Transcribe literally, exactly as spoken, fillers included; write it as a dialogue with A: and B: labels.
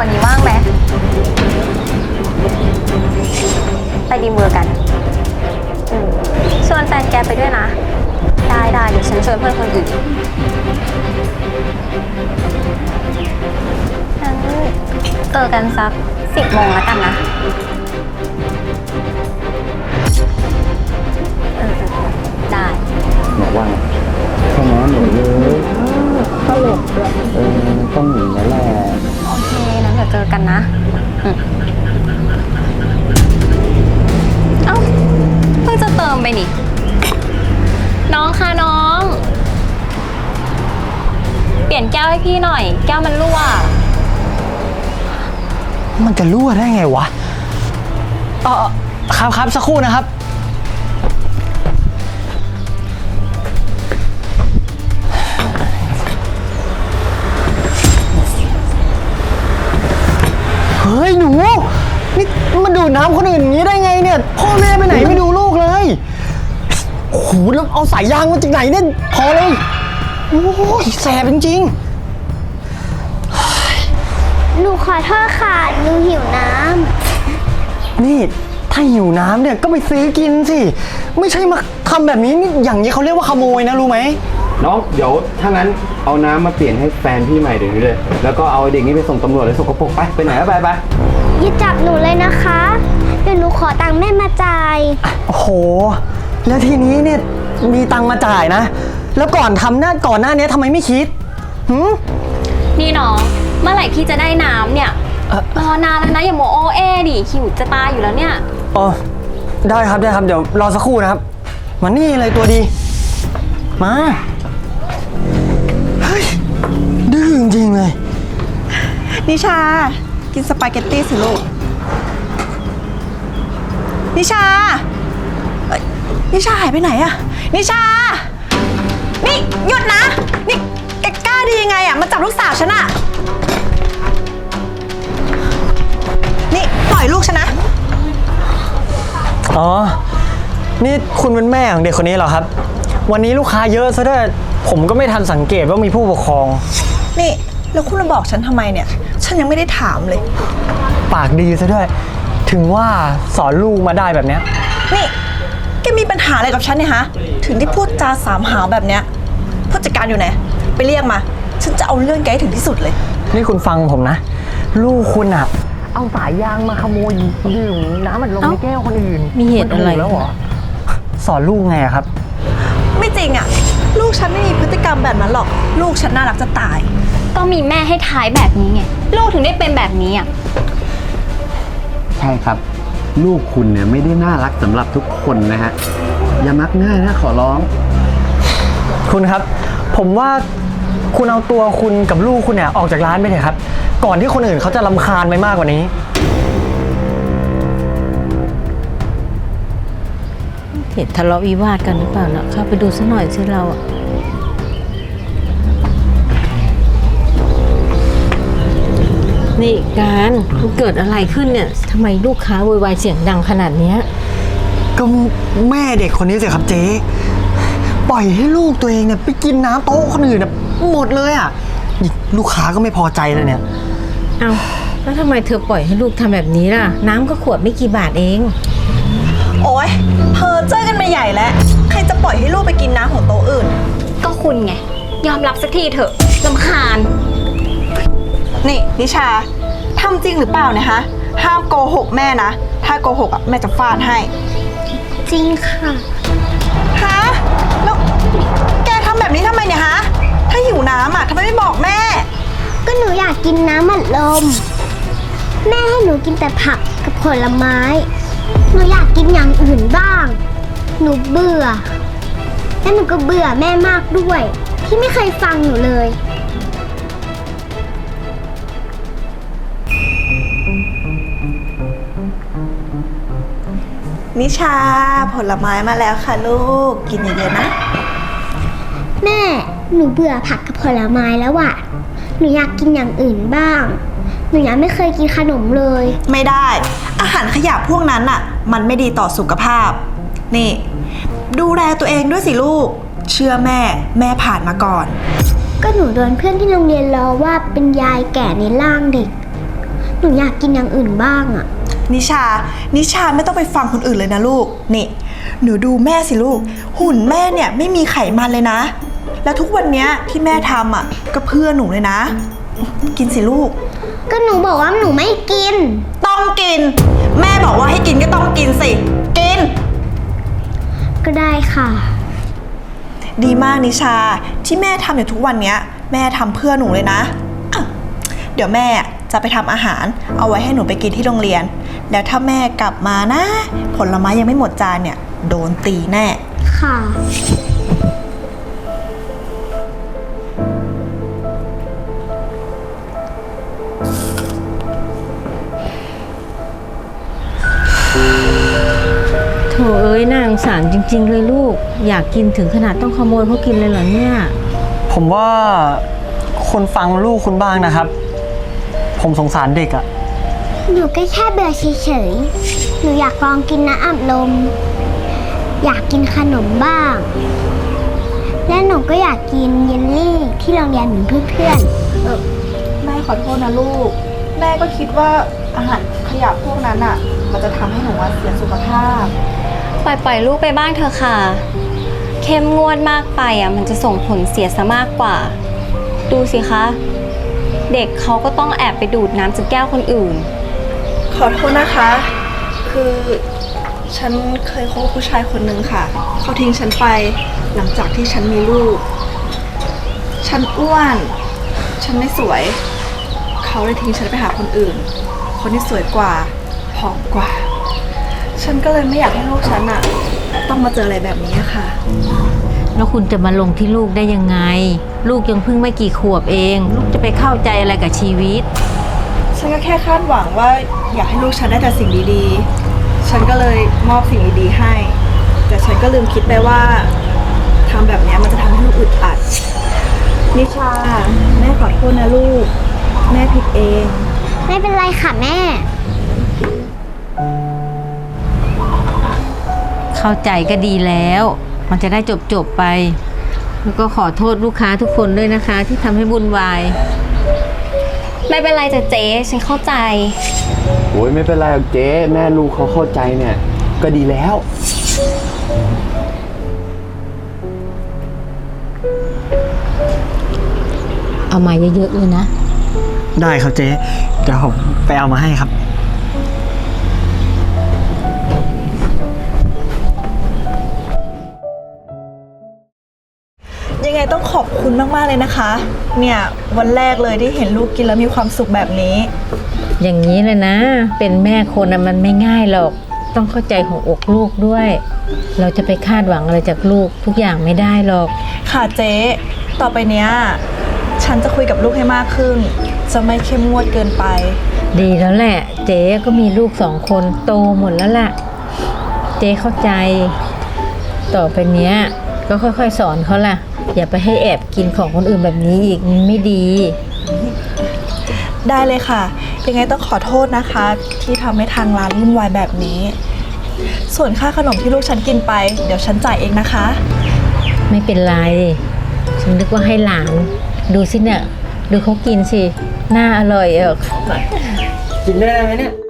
A: ร์นี้ว่างไหมไปดีเวอร์กันอืมชวนแฟนแกไปด้วยนะได้ได้เดี๋ยวฉันชวนเพื่อนคนอื่นงั้นเจอกันสักสิบโมงแล้วกันนะเออได้
B: บอกว่าแค่นั้นหนูเลยตลกด้วยเออต้องหนีนั่นแหละ
A: โอเคนั้นเดี๋ยวเจอกันนะอืมเอ้าเพิ่งจะเติมไปนี่น้องคะน้องเปลี่ยนแก้วให้พี่หน่อยแก้วมันรั่ว
C: มันจะรั่วได้ไงวะเออครับครับสักครู่นะครับเฮ้ยหนูนี่มาดูดน้ำคนอื่นอย่างนี้ได้ไงเนี่ยพ่อแม่ไปไหนไม่ดูลูกเลยโอ้โหแล้วเอาสายยางมาจากไหนเนี่ยพอเลยโอ้ยแสบจริง
D: ๆหนูขอโทษค่ะหนูหิวน้
C: ำนี่ถ้าหิวน้ำเนี่ยก็ไปซื้อกินสิไม่ใช่มาทำแบบนี้นี่อย่างนี้เขาเรียกว่าขโมยนะรู้ไหม
B: น้องเดี๋ยวถ้างั้นเอาน้ำมาเปลี่ยนให้แฟนพี่ใหม่เดี๋ยวนี้เลยแล้วก็เอาเด็กนี้ไปส่งตำรวจเลยสกปรกไปไปไหนก็ไปไป
D: อย่าจับหนูเลยนะคะเดี๋ยวหนูขอตังค์แม่มาจ่าย
C: โอ้โหแล้วทีนี้เนี่ยมีตังค์มาจ่ายนะแล้วก่อนทำหน้าก่อนหน้านี้ทำไมไม่คิดหืม
A: นี่น้องเมื่อไหร่พี่จะได้น้ำเนี่ยรอนานแล้วนะอย่าโมโอเอดิหิวจะตายอยู่แล้วเนี่ย
C: อ๋อได้ครับได้ครับเดี๋ยวรอสักครู่นะครับมานี่เลยตัวดีมาเฮ้ยดื้อจริงๆเลย
E: นิชากินสปาเกตตี้สิลูกนิชานิชาหายไปไหนอะนิชานี่หยุดนะนี่แกกล้าดียังไงอะมาจับลูกสาวฉันอะนี่ปล่อยลูกฉันนะ
C: อ๋อนี่คุณเป็นแม่ของเด็กคนนี้เหรอครับวันนี้ลูกค้าเยอะซะด้วยผมก็ไม่ทันสังเกตว่ามีผู้ปกครอง
E: นี่แล้วคุณมาบอกฉันทำไมเนี่ยฉันยังไม่ได้ถามเลย
C: ปากดีซะด้วยถึงว่าสอนลูกมาได้แบบเนี้ย
E: นี่แกมีปัญหาอะไรกับฉันเนี่ยฮะถึงที่พูดจาสามหาวแบบเนี้ยผู้จัดการอยู่ไหนไปเรียกมาฉันจะเอาเรื่องแกให้ถึงที่สุดเลย
C: นี่คุณฟังผมนะลูกคุณอะเอาสายยางมาขโมยดื่มน้ำมันลงในแก้วคนอื่น
A: มีเหตุอะไร
C: แล้วเหรอสอนลูกไงครับ
E: ไม่จริงอะลูกฉันไม่มีพฤติกรรมแบบนั้นหรอกลูกฉันน่ารักจะตาย
A: ก็มีแม่ให้ท้ายแบบนี้ไงลูกถึงได้เป็นแบบนี้อ่ะ
B: ใช่ครับลูกคุณเนี่ยไม่ได้น่ารักสำหรับทุกคนนะฮะอย่ามักง่ายนะขอร้อง
C: คุณครับผมว่าคุณเอาตัวคุณกับลูกคุณเนี่ยออกจากร้านไปเถอะครับก่อนที่คนอื่นเขาจะรำคาญไปมากกว่านี้
F: เหตุทะเลาะวิวาทกันหรือเปล่านะเข้าไปดูสักหน่อยสิเราอะนี่การมันเกิดอะไรขึ้นเนี่ยทำไมลูกค้าโวยวายเสียงดังขนาดนี้
C: ก็แม่เด็กคนนี้สิครับเจ๊ปล่อยให้ลูกตัวเองเนี่ยไปกินน้ำโต๊ะคนอื่นเนี่ยหมดเลยอ่ะลูกค้าก็ไม่พอใจเลยเนี่ย
F: เอาแล้วทำไมเธอปล่อยให้ลูกทำแบบนี้ล่ะน้ำก็ขวดไม่กี่บาทเอง
E: โอ๊ยเธอเจอกันมาใหญ่แล้วใครจะปล่อยให้ลูกไปกินน้ำของโต๊ะอื่น
A: ก็คุณไงยอมรับสักทีเถอะรำคาญ
E: นี่นิชาทำจริงหรือเปล่าเนี่ยฮะห้ามโกหกแม่นะถ้าโกหกอ่ะแม่จะฟาดให้
D: จริงค่ะ
E: ฮะแล้วแกทำแบบนี้ทำไมเนี่ยฮะถ้าหิวน้ำอ่ะทำไมไม่บอกแม่
D: ก็หนูอยากกินน้ำอัดลมแม่ให้หนูกินแต่ผักกับผลไม้หนูอยากกินอย่างอื่นบ้างหนูเบื่อและหนูก็เบื่อแม่มากด้วยที่ไม่เคยฟังหนูเลย
E: นิชาผลไม้มาแล้วค่ะลูกกินเยอะๆนะ
D: แม่หนูเบื่อผักกับผลไม้แล้วอะหนูอยากกินอย่างอื่นบ้างหนูยังไม่เคยกินขนมเลย
E: ไม่ได้อาหารขยะพวกนั้นอะมันไม่ดีต่อสุขภาพนี่ดูแลตัวเองด้วยสิลูกเชื่อแม่แม่ผ่านมาก่อน
D: ก็หนูโดนเพื่อนที่โรงเรียนล้อว่าเป็นยายแก่ในร่างเด็กหนูอยากกินอย่างอื่นบ้างอะ
E: นิชา นิชาไม่ต้องไปฟังคนอื่นเลยนะลูก นี่ หนูดูแม่สิลูก หุ่นแม่เนี่ยไม่มีไขมันเลยนะ แล้วทุกวันเนี้ยที่แม่ทำอ่ะก็เพื่อหนูเลยนะ กินสิลูก
D: ก็หนูบอกว่าหนูไม่กิน
E: ต้องกิน แม่บอกว่าให้กินก็ต้องกินสิ กิน
D: ก็ได้ค่ะ
E: ดีมากนิชา ที่แม่ทำอยู่ทุกวันเนี้ย แม่ทำเพื่อหนูเลยนะอ่ะเดี๋ยวแม่จะไปทำอาหาร เอาไว้ให้หนูไปกินที่โรงเรียน แล้วถ้าแม่กลับมานะ ผลไม้ยังไม่หมดจานเนี่ย โดนตีแน่
D: ค่ะ
F: โถเอ้ยน่าสงสารจริง ๆ เลยลูก อยากกินถึงขนาดต้องขโมยเขากินเลยเหรอเนี่ย
C: ผมว่าคุณฟังลูกคุณบ้างนะครับ ผมสงสารเด็กอะ
D: หนูก็แค่เบื่อเฉยๆ หนูอยากลองกินน้ำอัดลม อยากกินขนมบ้าง และหนูก็อยากกินเยลลี่ที่โรงเรียนเหมือนเพื่อน
E: แม่ขอโทษนะลูก แม่ก็คิดว่าอาหารขยะพวกนั้นอ่ะ มันจะทำให้หนูเสียสุขภาพ
A: ปล่อยปล่อยลูกไปบ้างเถอะค่ะ เข้มงวดมากไปอ่ะมันจะส่งผลเสียซะมากกว่า ดูสิคะ เด็กเขาก็ต้องแอบไปดูดน้ำจากแก้วคนอื่น
E: ขอโทษนะคะ คือฉันเคยคบผู้ชายคนหนึ่งค่ะ เขาทิ้งฉันไปหลังจากที่ฉันมีลูก ฉันอ้วน ฉันไม่สวย เขาเลยทิ้งฉันไปหาคนอื่น คนที่สวยกว่า ผอมกว่า ฉันก็เลยไม่อยากให้ลูกฉันอะต้องมาเจออะไรแบบนี้ค่ะ
F: แล้วคุณจะมาลงที่ลูกได้ยังไง ลูกยังเพิ่งไม่กี่ขวบเอง ลูกจะไปเข้าใจอะไรกับชีวิต
E: ฉันก็แค่คาดหวังว่าอยากให้ลูกฉันได้แต่สิ่งดีๆ ฉันก็เลยมอบสิ่งดีๆให้ แต่ฉันก็ลืมคิดไปว่าทำแบบนี้มันจะทำให้ลูกอึดอัด นิชา แม่ขอโทษนะลูก แม่ผิดเอง
D: ๆ ไม่เป็นไรค่ะแม่
F: เข้าใจก็ดีแล้ว มันจะได้จบจบๆไป แล้วก็ขอโทษลูกค้าทุกคนด้วยนะคะ ที่ทำให้วุ่นวาย
A: ไม่เป็นไรจ้ะเจ๊ฉันเข้าใจ
B: โอ้ยไม่เป็นไรหรอกเจ๊แม่ลูกเขาเข้าใจเนี่ย ก็ดีแล้ว
F: เอามาเยอะๆเลยนะ
C: ได้ครับเจ๊เดี๋ยวผมไปเอามาให้ครับ
E: ยังไงต้องขอบคุณมากๆเลยนะคะ เนี่ยวันแรกเลยที่เห็นลูกกินแล้วมีความสุขแบบนี้
F: อย่างนี้เลยนะ เป็นแม่คนน่ะมันไม่ง่ายหรอก ต้องเข้าใจของอกลูกด้วย เราจะไปคาดหวังอะไรจากลูกทุกอย่างไม่ได้หรอก
E: ค่ะเจ๊ ต่อไปเนี้ยฉันจะคุยกับลูกให้มากขึ้น จะไม่เข้มงวดเกินไป
F: ดีแล้วแหละ เจ๊ก็มีลูกสองคนโตหมดแล้วล่ะ เจ๊เข้าใจ ต่อไปเนี้ยก็ค่อยๆสอนเขาล่ะ อย่าไปให้แอบกินของคนอื่นแบบนี้อีกมันไม่ดี
E: ได้เลยค่ะ ยังไงต้องขอโทษนะคะ ที่ทำให้ทางร้านวุ่นวายแบบนี้ ส่วนค่าขนมที่ลูกฉันกินไป เดี๋ยวฉันจ่ายเองนะคะ
F: ไม่เป็นไร ฉันนึกว่าให้หลาน ดูสิเนี่ย ดูเขากินสิ น่าอร่อยเออ
C: กินได้ไหมเนี่ย